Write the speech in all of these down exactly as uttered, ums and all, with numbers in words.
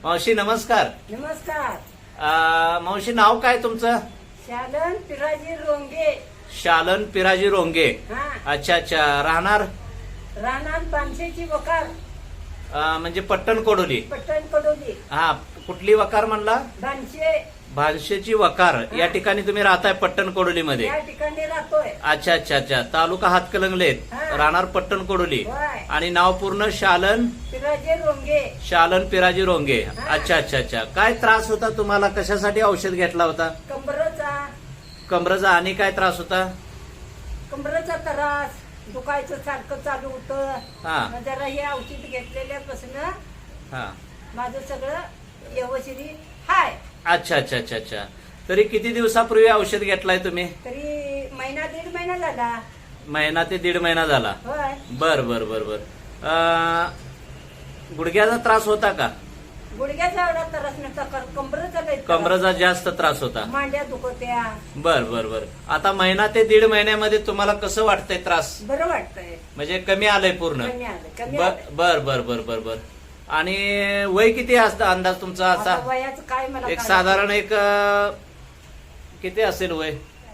मावशी नमस्कार. नमस्कार. अ, मावशी नाव काय तुमचं? शालन पिराजी रोंगे. शालन पिराजी रोंगे. हा. अच्छा अच्छा. राहणार राहणार पानशेची वकार. अ, म्हणजे पट्टण कोडोली. पट्टण कडोली. हा, कुठली वकार म्हणला? बानशे. भानशेची वकार या ठिकाणी तुम्ही राहताय पट्टण कोडोली मध्ये. या ठिकाणी राहतोय. अच्छा अच्छा अच्छा. तालुका हातकलंगलेत, हा. राहणार पट्टण कोडोली. होय. आणि नाव पूर्ण शालन पिराजी रोंगे. शालन पिराजी रोंगे. हा. अच्छा अच्छा अच्छा. काय त्रास होता तुम्हाला? कशासाठी औषध घेतला होता? कंबरचा कमरेचा. आणि काय त्रास होता? कंबरचा त्रास दुखायचं सारखं चालू होतं. हा. मग जरा हे औषध घेतलेल्यापासून हा. माझं सगळं व्यवस्थित हाय. अच्छा अच्छा अच्छा अच्छा. तरी किती दिवसापूर्वी औषध घेतलाय तुम्ही? तरी महिना दीड महिना झाला. महिना ते दीड महिना झाला. होय. बर बर बर बर. अं, गुडघ्याचा त्रास होता का? गुडघ्याचा एवढा त्रास नव्हता, कंबरचा लय त्रास. कमरेचा जास्त त्रास होता. मांड्या दुखत्या. बर बर बर. आता महिना ते दीड महिन्यामध्ये तुम्हाला कसं वाटतंय? त्रास बरं वाटतंय. म्हणजे कमी आलंय पूर्ण? कमी आलं कमी बर आलं. बर बर बर बर बर. आणि वय किती असतं अंदाज तुमचा आता असा? वयाचं काय मला एक काय- साधारण एक अं, किती असेल वय?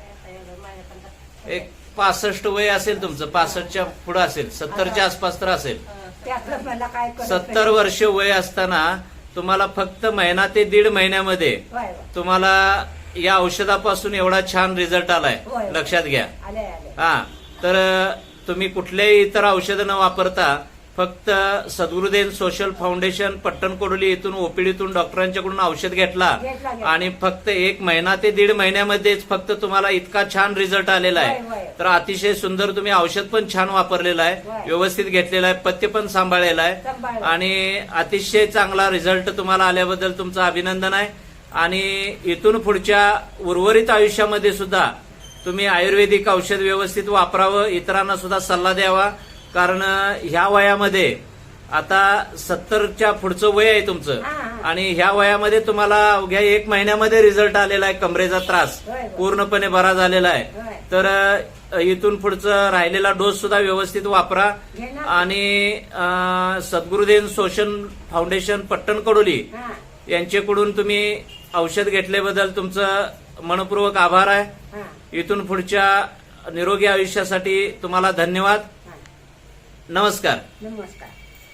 एक पासष्ट वय असेल तुमचं. पासष्टच्या पुढे असेल. सत्तरच्या आसपास तर असेल. त्यातलं मला काय कळत सत्तर नाही. वर्ष वय असताना तुम्हाला फक्त महिना ते दीड महिन्यामध्ये होय, होय. तुम्हाला या औषधापासून एवढा छान रिझल्ट आलाय. होय, होय. लक्षात घ्या. आले आले. हा. तर तुम्ही कुठल्याही इतर औषधं न वापरता फक्त सद्गुरुदेव सोशल फाउंडेशन पट्टण कोडोली इथून ओपीडीतून डॉक्टरांच्याकडून औषध घेतला घेतला, घेतला. आणि फक्त एक महिना ते दीड महिन्यामध्येच फक्त तुम्हाला इतका छान रिझल्ट आलेला होय, आहे. होय. तर अतिशय सुंदर तुम्ही औषध पण छान वापरलेलं आहे. होय. व्यवस्थित घेतलेलं आहे. पथ्य पण सांभाळलेलं आहे. सांभाळलं. आणि अतिशय चांगला रिझल्ट तुम्हाला आल्याबद्दल तुमचं अभिनंदन आहे. आणि इथून पुढच्या उर्वरित आयुष्यामध्ये सुद्धा तुम्ही आयुर्वेदिक औषध व्यवस्थित वापरावं, इतरांना सुद्धा सल्ला द्यावा. कारण ह्या वयामध्ये आता सत्तरच्या पुढचं वय आहे तुमचं. हा, हा. आणि ह्या वयामध्ये तुम्हाला अवघ्या एक महिन्यामध्ये रिझल्ट आलेला आहे. कमरेचा त्रास होय, होय. पूर्णपणे बरा झालेला आहे. होय. तर अ, इथून पुढचं राहिलेला डोस सुद्धा व्यवस्थित वापरा. घेणार. आणि अ, सद्गुरुदेव सोशल फाउंडेशन पट्टण कोडोली हा. यांच्याकडून तुम्ही औषध घेतल्याबद्दल तुमचं मनपूर्वक आभार आहे. हा. इथून पुढच्या निरोगी आयुष्यासाठी तुम्हाला धन्यवाद. हा. नमस्कार. नमस्कार.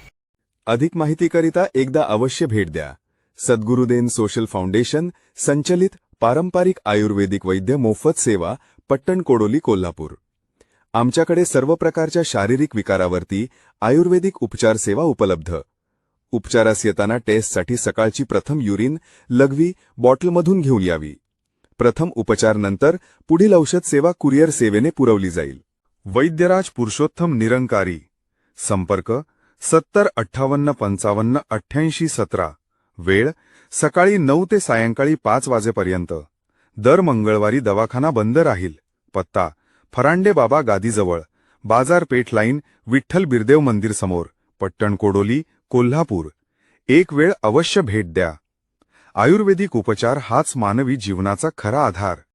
अधिक माहितीकरिता एकदा अवश्य भेट द्या. सद्गुरुदेव सोशल फाउंडेशन संचलित पारंपरिक आयुर्वेदिक वैद्य मोफत सेवा पट्टण कोडोली कोल्हापूर. आमच्याकडे सर्व प्रकारच्या शारीरिक विकारावरती आयुर्वेदिक उपचार सेवा उपलब्ध. उपचारास येताना टेस्टसाठी सकाळची प्रथम युरिन लघवी बॉटलमधून घेऊन यावी. प्रथम उपचार नंतर पुढील औषध सेवा कुरिअर सेवेने पुरवली जाईल. वैद्यराज पुरुषोत्तम निरंकारी. संपर्क सत्तर अठ्ठावन्न पंचावन्न अठ्ठ्याऐंशी सतरा. वेळ सकाळी नऊ ते सायंकाळी पाच वाजेपर्यंत. दर मंगळवारी दवाखाना बंद राहील. पत्ता फरांडे बाबा गादीजवळ, बाजारपेठ लाईन, विठ्ठल बिरदेव मंदिर समोर, पट्टण कोडोली कोल्हापूर. एक वेळ अवश्य भेट द्या. आयुर्वेदिक उपचार हाच मानवी जीवनाचा खरा आधार.